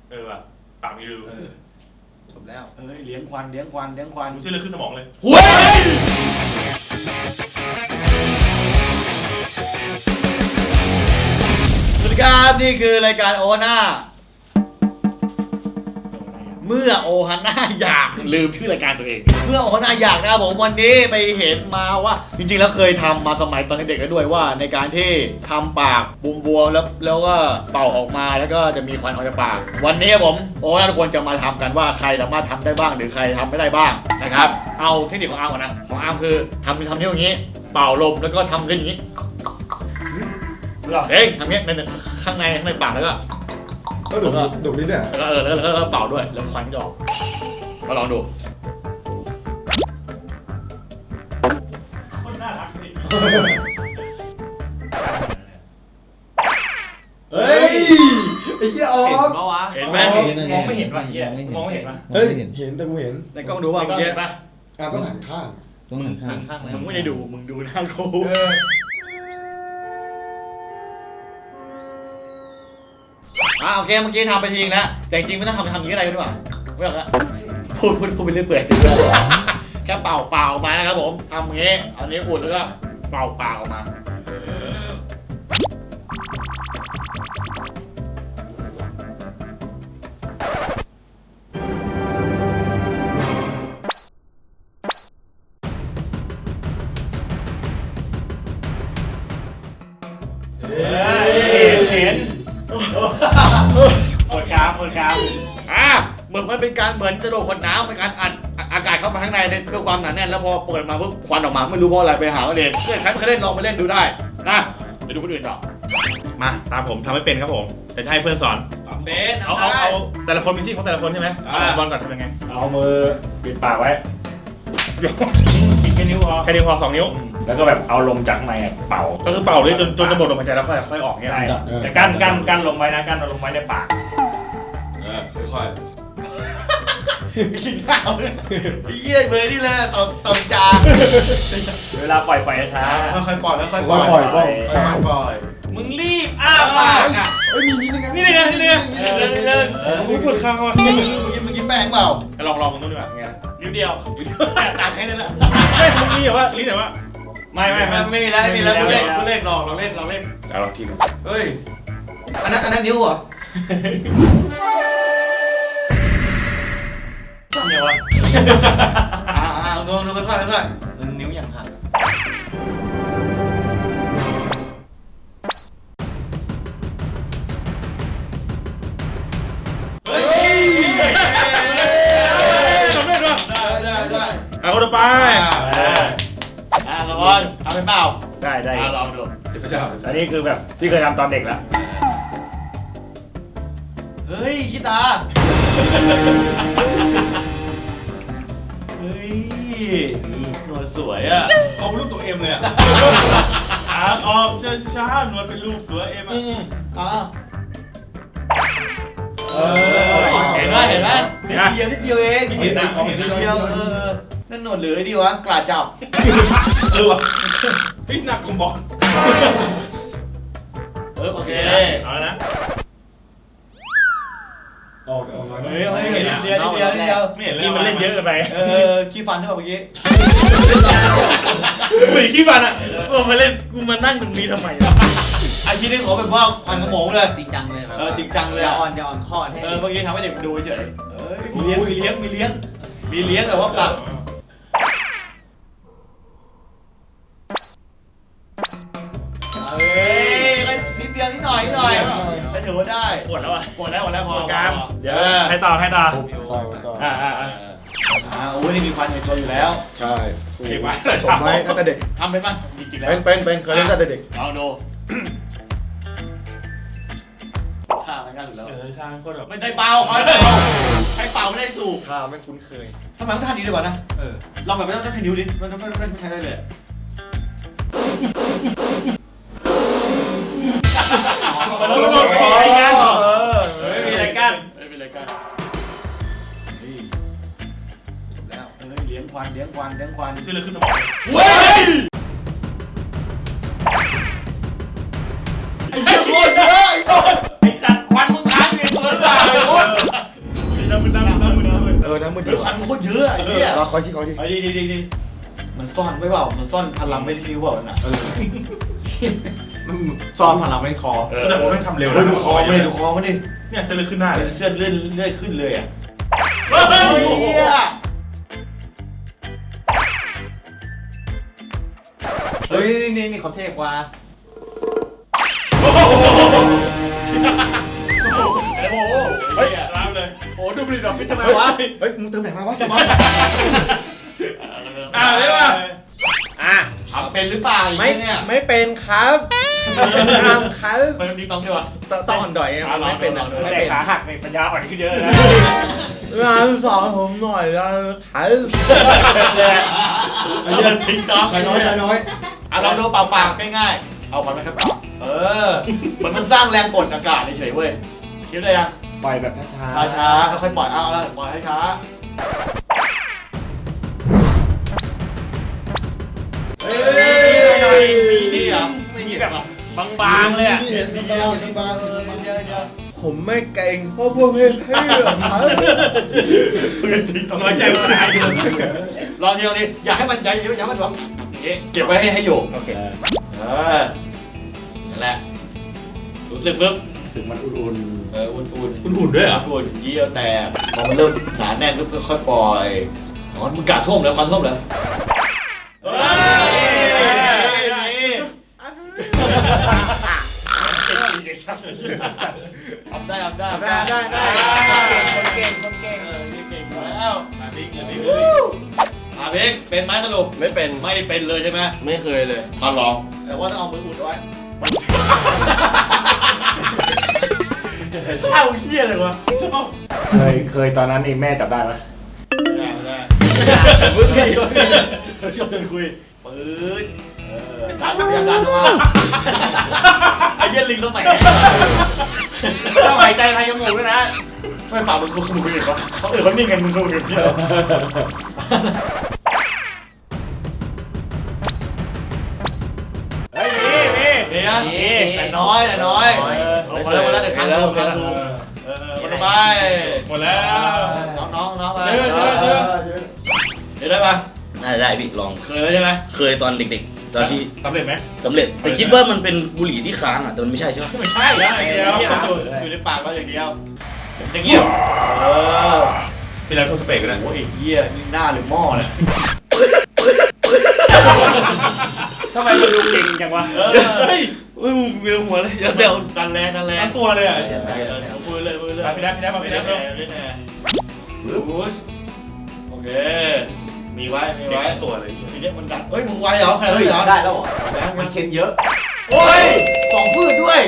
ว่ะปากมีรูจบแล้วเลี้ยงควันเลี้ยงควันเลี้ยงควันดูเส้นเลือดขึ้นสมองเลยหุ้ยสวัสดีครับนี่คือรายการโอฮาน่าเมื่อโอฮาน่าอยากลืมชื่อรายการตัวเองเมื่อโอฮาน่าอยากนะครับผมวันนี้ไปเห็นมาว่าจริงๆแล้วเคยทำมาสมัยตอนเด็กๆแล้วด้วยว่าในการที่ทำปากบวมๆแล้วก็เป่าออกมาแล้วก็จะมีควันออกจากปากวันนี้ผมโอฮาน่าทุกคนจะมาทำกันว่าใครสามารถทำได้บ้างหรือใครทำไม่ได้บ้างนะครับเอาเทคนิคของอาร์มก่อนนะของอาร์มคือทำนิ้วอย่างนี้เป่าลมแล้วก็ทำเล่นอย่างนี้เฮ้ยทำเงี้ยในข้างในปากแล้วก็ดูดลิ้นเนี่ยแล้วก็เป่าด้วยแล้วควันก็ออกมาลองดูคนน่ารักเลยเฮ้ยไอ้เหี้ยออเห็นกปะวะเห็นไหมมองไม่เห็นว่ะเหี้ยมองไม่เห็นว่ะเฮ้ยเห็นแต่กูเห็นในกล้องดูว่าเมื่อกี้ป่ะต้องหันข้างต้องหันข้างเลยมึงไม่ได้ดูมึงดูหน้ากู โอเคเมื่อกี้ทำไปทีนึงแล้วแต่จริงๆไม่ต้องทำอย่างนี้อะไรกันดีกว่าไม่ต้องละพูดไปเรื่อยๆแค่เป่าออกมานะครับผมทำอย่างนี้เอานิ้วอุดแล้วก็เป่าปากออกมาเห็นปวดกรามเหมือนมันเป็นการเหมือนจะโดนขวดน้ำเป็นการอัดอากาศเข้าไปข้างในด้วยความหนาแน่นแล้วพอเปิดมาปุ๊บควันออกมาไม่รู้เพราะอะไรไปหาเอาเองใครไม่เคยเล่นลองไปเล่นดูได้นะเดี๋ยวดูคนอื่นต่อมาตามผมทำไม่เป็นครับผมแต่ให้เพื่อนสอนเบสเอาแต่ละคนมีที่ของแต่ละคนใช่ไหมเอาบอลก่อนทำยังไงเอามือปิดปากไว้ปิดแค่นิ้วพอ2 นิ้วแล้วก็แบบเอาลมจากข้างในเป่าก็คือเป่าเลยจนจะหมดลมหายใจแล้วค่อยออกเนี่ยแต่กั้นลงไว้นะกั้นลงไว้ในปากค่อยกินข้าวเยี่ยเลยนี่เลยตอนจาเวลาปล่อยช้าค่อยปล่อยแล้วค่อยปล่อยมึงรีบอ้าปากอ่ะเฮ้ยมีนิดนึงนะนี่มึงปวดคางว่ะเมื่อกี้แป้งเปล่าลองมึงดูดีกว่าไงนิ้วเดียวแต่ตัดให้นั่นแหละมึงนี่แบบว่าลิ้นไหนวะไม่แล้วกูเล่นลองเล่นลองทีนึงเฮ้ยอันนั้นนิ้วเหรอเนี่ยวะดูค่อยนิ้วอย่างหักสำเร็จวะได้เอาคนต่อไปละครทำเป็นเปล่าได้ลองดูเดี๋ยวพระเจ้าอันนี้คือแบบที่เคยทำตอนเด็กแล้วเฮ้ยคิดตาเฮ้ยหนวดสวยอ่ะเอาเป็นรูปตัวเอ็มเลยอ่ะออกช้าหนวดเป็นรูปตัวเอ็มอ่ะเห็นไหมนิดเดียวเองนิดเดียวนั่นหนวดหรือไอ้ดีวะกล้าจับวะพี่หนักของบอลโอเคเอาละออกมาเฮ้ยนิดเดียวไม่เห็นเลยมันเล่นเยอะเกินไปขี้ฟันใช่ป่ะเมื่อกี้ไม่ขี้ฟันอ่ะกูมาเล่นกูมานั่งตรงนี้ทำไมไอ้ที่นี่ขอเป็นว่าควันกระหม่อมเลยจริงจังเลยจริงจังเลยจะอ่อนข้อให้เมื่อกี้ทำให้เด็กดูเฉยมีเลี้ยงแต่ว่าปากนิดเดียวนิดหน่อยไปถือว่าได้ปวดแล้วอ่ะปวดแล้วพอการเดี๋ยวให้ต่อโอ้ยนี่มีควันในตัวอยู่แล้วใช่เก็บไว้สมไว้ตั้งแต่เด็กทำเป็นป่ะจริงๆแล้วเป็นเคยเล่นตั้งแต่เด็กลองดูท่ามันง่ายสุดแล้วท่าก็แบบไม่ได้เป่าใครเป่าไม่ได้สูบท่าไม่คุ้นเคยทำไมต้องท่านี้ดีกว่านะลองแบบไม่ต้องใช้นิ้วดิมันไม่ใช้ได้เลยมีอะไรกั้นจบแล้วเลี้ยงควันชื่อเลยขึ้นสมองเว้ยไอ้เจ้าโคตรเยอะไอ้จัดควันมึงค้างอยู่ในตัวหรือเปล่าไอ้โคตรนะมึงเฮ้ยคันมันโคตรเยอะไอ้เหี้ยเราคอยที่เขาดิไอ้ดีมันซ่อนไว้เปล่ามันซ่อนพลังไม่ได้คิวเปล่าน่ะซ้อมพลังไม่คอแต่ผมไม่ทำเร็วเฮ้ยดูคอมันดิดูคอมันดิเนี่ยเส้นเลือดขึ้นหน้าเลยเสื้อเลื่อยขึ้นเลยอ่ะเฮ้ยเหี้ยเฮ้ยนี่เขาเทกว่าไอ้โบเฮ้ยรับเลยโอ้ดูบลิดออฟฟิศทำไมเฮ้ยวะเฮ้ยมึงเติมไหนมาวะสมอนเรียกว่าอ่ะเอาเป็นหรือเปล่าอย่างไม่เงี้ยเนี่ยไม่เป็นครับทำครับมันดีน้องใช่ปะต้องอ่อนดอยไม่เป็นอ่ะไม่แต่เป็นขาหักในปัญญาอ่อนขึ้นเยอะนะงานสอนผมหน่อยแล้วครับไอ้เหี้ยทิ้งจ้องชายน้อยชายน้อยอ่ะลองดูเปล่าๆง่ายๆเอาก่อนไหมครับเปล่ามันสร้างแรงกดอากาศเฉยๆเว้ยคิดเลยยังปล่อยแบบช้าช้าๆค่อยๆปล่อยเอาละปล่อยให้ช้าเฮ้ยนี่เหรอไม่มีแบบบางๆเลยอ่ะนี่เห็นที่บ้านที่บ้านผมไม่เก่งเพราะพวกพี่เพื่อนครับน้อยใจว่าอะไรลองทีลองทีอยากให้มันใหญ่เยอะอยากให้มันแบบนี้เก็บไว้ให้อยู่โอเคนั่นแหละรู้สึกปึ๊บถึงมันอุ่นอุ่นอุ่นด้วยเหรออุ่นเยี่ยวแต่พอมันเริ่มหนาแน่นปุ๊บค่อยๆปล่อยอ๋อมึงกะท่วมแล้วควันท่วมแล้วทำได้คนเก่งคนเก่งแล้วอาบิ๊กเป็นไหมสรุปไม่เป็นไม่เป็นเลยใช่ไหมไม่เคยเลยมาลองแต่ว่าต้องเอามืออุดไว้เอ้าเหี้ยเลยวะเคยตอนนั้นเองแม่จับได้ไหมได้มึงไงชอบเดินคุยปืนตามอย่างนั้นมาไอ้เหี้ยลิงสมัยไหนต้องหายใจทางจมูกด้วยนะไม่ป่ามึงคุยกับเขาเขานิ่งกันมึงคุยกับพี่เหรอเฮ้ยนี่นี่แต่น้อยลงมาแล้วเดี๋ยวค้างดูหมดไปหมดแล้วน้องไปเจอได้ปะได้พี่ลองเคยแล้วใช่ไหมเคยตอนเด็กๆ ตอนที่สำเร็จไหมสำเร็จแต่คิดว่ามันเป็นบุหรี่ที่ค้างอ่ะแต่มันไม่ใช่ใช่ไหมไม่ใช่อยู่ในปากเราอย่างเดียวอย่างเงี้ยพี่แล้วโทรสเปกกันนะโอ้ยเหี้ยนี่หน้าหรือหม้อเนี่ยทำไมมันดูเก่งจังวะเฮ้ยเฮ้ยมึงเวียนหัวเลยอย่าแซวกันแรงทั้งตัวเลยอ่ะมือเลยมาพี่นัทมาพี่นัทโอเคมีไว้ตัวเลยทีนี้มันดันเฮ้ยมึงไวเหรอใครเหรอได้แล้วเหรอมัมัน นเค้นเยอะโอ้ยสองฟืดด้วย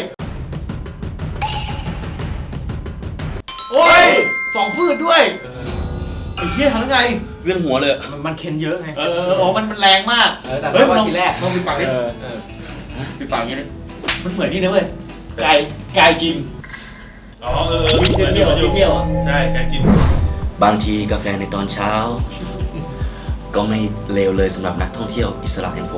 โอ้ยสองฟืดด้วยไอ้เหี้ยทำยังไงเวียนหัวเลยมันเค้นเยอะไงอ๋อมันแรงมากแต่เฮ้ยว่าลองทีแรกลองปิดปากดิปิดปากอย่างนี้ดิมันเหมือนนี่นะเว้ยไก่กินอ๋อเที่ยวใช่ไก่จินบางทีกาแฟในตอนเช้า ก็ไม่เลวเลยสำหรับนักท่องเที่ยวอิสระอย่างผม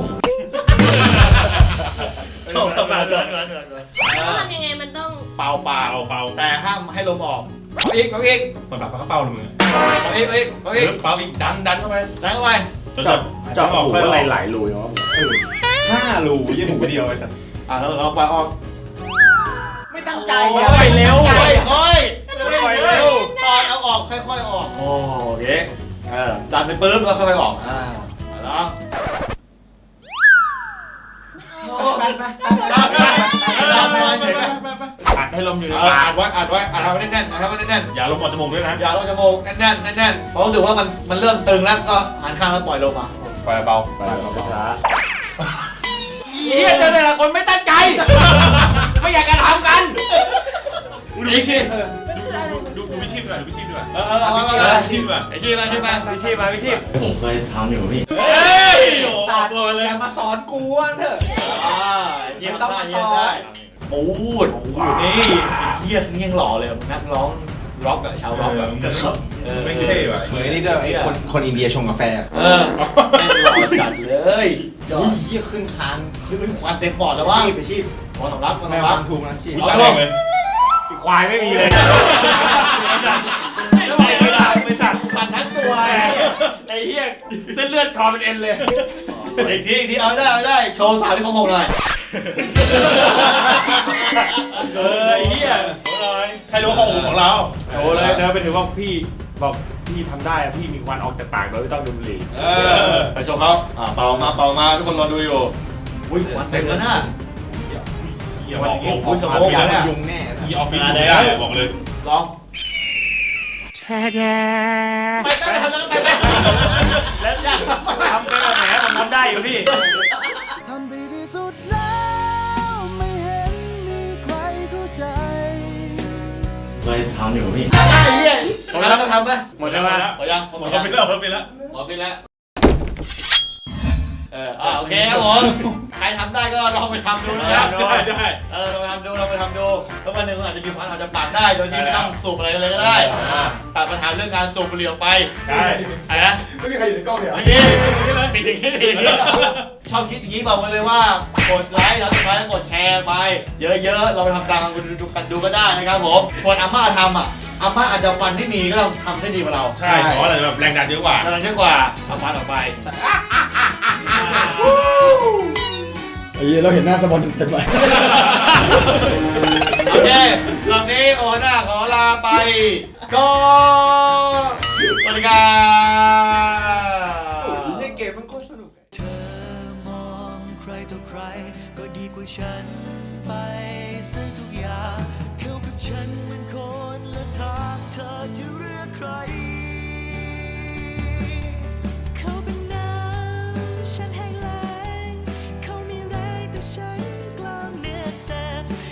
ชอบทำงานแล้วทำยังไงมันต้องเป่าเป่าแต่ห้ามให้ลมออกเอาอีกเหมือนแบบปลากระเป๋าเลยมึงเอาอีกเป่าอีกดันเข้าไปดังเข้าไปจนจับออกอะไรหลายรูเนาะ 5 รูยี่หนูเดียวไอ้สัตว์เราไปออกไม่ตั้งใจค่อยเร็วค่อยเร็วตอนเอาออกค่อยๆออกโอเคดันไปปุ๊บแล้วค่อยๆออกแล้วอัดให้ลมอยู่ในอัปากดไว้อัดไว้แน่นๆอย่าลมออกจมูกด้วยนะอย่าลงจมูกแน่นเพราะรู้สึกว่ามันเริ่มตึงแล้วก็หันข้างแล้วปล่อยลงมาปล่อยเบาช้าเฮียเจอแต่ละคนไม่ตั้งใจ ไม่อยากจะทำกันดูวิชีพดูวิชีพด้วยดูวิชีพด้วยเอาวิชีพด้วยไอ้ที่มาใช่ไหมวิชีพมาวิชีพผมเคยทำอยู่พี่เฮ้ยโอ้ตาตัวเลยอย่ามาสอนกูว่าเถอะไม่ต้องมาสอนปูดนี่เยี่ยนี่ยังหล่อเลยนักร้องร็อกอะชาวร็อกอะไม่เท่ว่ะเหมือนนี่ด้วยไอ้คนอินเดียชงกาแฟแม่งหล่อจัดเลยเยี่ยขึ้นคางขึ้นควันเต็มปอดแล้วว่าไปชีพขอสำรับแม่วางทุงนะชีพตาแดงเลยควายไม่มีเลยไม่ได้ไม่สัตว์ไปอนเป็นเอ็นเลยอีกทีเอาได้โชว์สาวที่เขาหกหน่อยไอ้เหี้ยใครรู้ข้อมูลของเราโชว์เลยเดินไปถึงว่าพี่บอกพี่ทำได้อะพี่มีควันออกจากปากโดยไม่ต้องดูดบุหรี่ไปโชว์เขาเป่ามาทุกคนรอดูอยู่อุ้ยควันเต็มแล้วนะเหี้ยบอกโอ้โหสมองเนี่ยยุงแน่ที่ออฟฟิศไม่ได้บอกเลยลองไปทำแล้วไปแล้วทำไปแบบไหนผมทำได้อยู่พี่ทำดีที่สุดแล้วไม่เห็นมีใครเข้าใจเลยทำอยู่พี่ไอ้เหี้ยหมดแล้วต้องทำไหมหมดแล้วมั้ยหมดยังหมดออฟฟิศแล้วหมดออฟฟิศแล้วหมดไปแล้วโอเคครับผมใครทำได้ก็ลองไปทำดูนะครับใช่ใช่ลองไปทำดูแล้ววันหนึ่งอาจจะมีควันอาจจะปากได้โดยที่ไม่ต้องสูบอะไรเลยก็ได้ตัดปัญหาเรื่องการสูบบุหรี่ออกไปใช่อะไรนะไม่มีใครอยู่ในกล้องเลยไม่ดีปิดอย่างนี้ชอบคิดอย่างนี้บอกเลยว่ากดไลค์แล้วสุดท้ายกดแชร์ไปเยอะๆเราไปทำตามกันดูก็ได้นะครับผมส่วนอาม่าทำอาม่าอาจจะฟันที่มีก็ต้องทำได้ดีกว่าเราใช่เพราะอะไรแบบแรงดันเยอะกว่ากำลังเยอะกว่าเอาฟันออกไปไอ้เราเห็นหน้าสปอนเต็มไปโอเคตอนนี้โอน่าขอลาไปก็สวัสดีครับเกมมันโคตรสนุกเธอมองใครต่อใครก็ดีกว่าฉัน